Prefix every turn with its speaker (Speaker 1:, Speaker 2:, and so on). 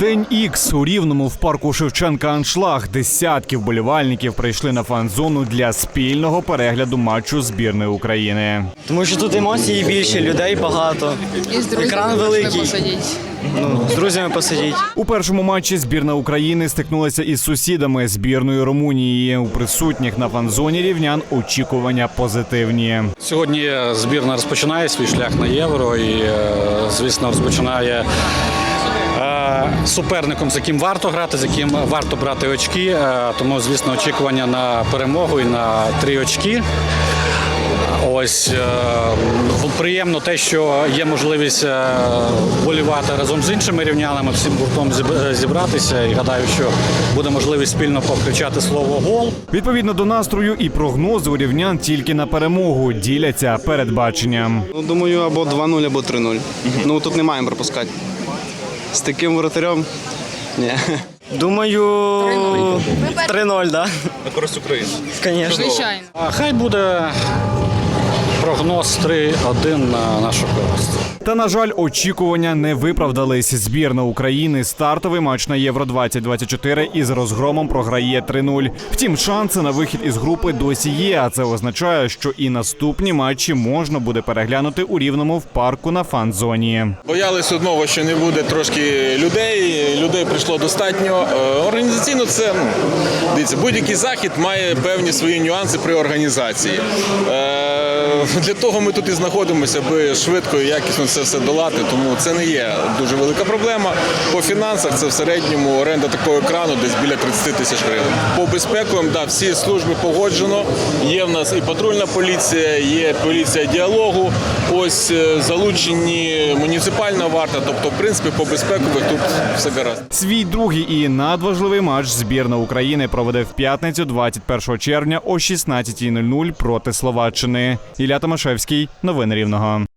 Speaker 1: День Ікс. У Рівному в парку Шевченка аншлаг. Десятки вболівальників прийшли на фан-зону для спільного перегляду матчу збірної України.
Speaker 2: Тому що тут емоції більше, людей багато.
Speaker 3: І з друзями
Speaker 2: Екран великий.
Speaker 3: посидіти.
Speaker 2: З друзями посидіть.
Speaker 1: У першому матчі збірна України стикнулася із сусідами збірної Румунії. У присутніх на фан-зоні рівнян очікування позитивні.
Speaker 4: Сьогодні збірна розпочинає свій шлях на Євро і, звісно, розпочинає суперником, з яким варто грати, з яким варто брати очки. Тому, звісно, очікування на перемогу і на 3 очки. Ось приємно те, що є можливість вболівати разом з іншими рівнянами, всім гуртом зібратися. І гадаю, що буде можливість спільно покричати слово «гол».
Speaker 1: Відповідно до настрою і прогнозу рівнян тільки на перемогу діляться передбаченням.
Speaker 5: Думаю, або 2-0, або 3-0. Тут не маємо пропускати. З таким воротарем – ні.
Speaker 2: Думаю, 3-0, так?
Speaker 5: На користь України.
Speaker 2: Звісно.
Speaker 3: Звичайно.
Speaker 4: Хай буде прогноз 3-1 на нашу користь.
Speaker 1: Та, на жаль, очікування не виправдались. Збірна України стартовий матч на Євро-2024 із розгромом програє 3-0. Втім, шанси на вихід із групи досі є, а це означає, що і наступні матчі можна буде переглянути у Рівному в парку на фан-зоні.
Speaker 6: Боялись одного, що не буде трошки людей. Людей прийшло достатньо. Організаційно це, дивіться, будь-який захід має певні свої нюанси при організації. Для того ми тут і знаходимося, аби швидко і якісно це все долати, тому це не є дуже велика проблема. По фінансах це в середньому оренда такого екрану десь біля 30 тисяч гривень. По безпековим, всі служби погоджено. Є в нас і патрульна поліція, є поліція діалогу, ось залучені муніципальна варта, тобто, в принципі, по безпекових тут все гаразд.
Speaker 1: Свій другий і надважливий матч збірна України проведе в п'ятницю 21 червня о 16:00 проти Словаччини. Ілля Томашевський. Новини Рівного.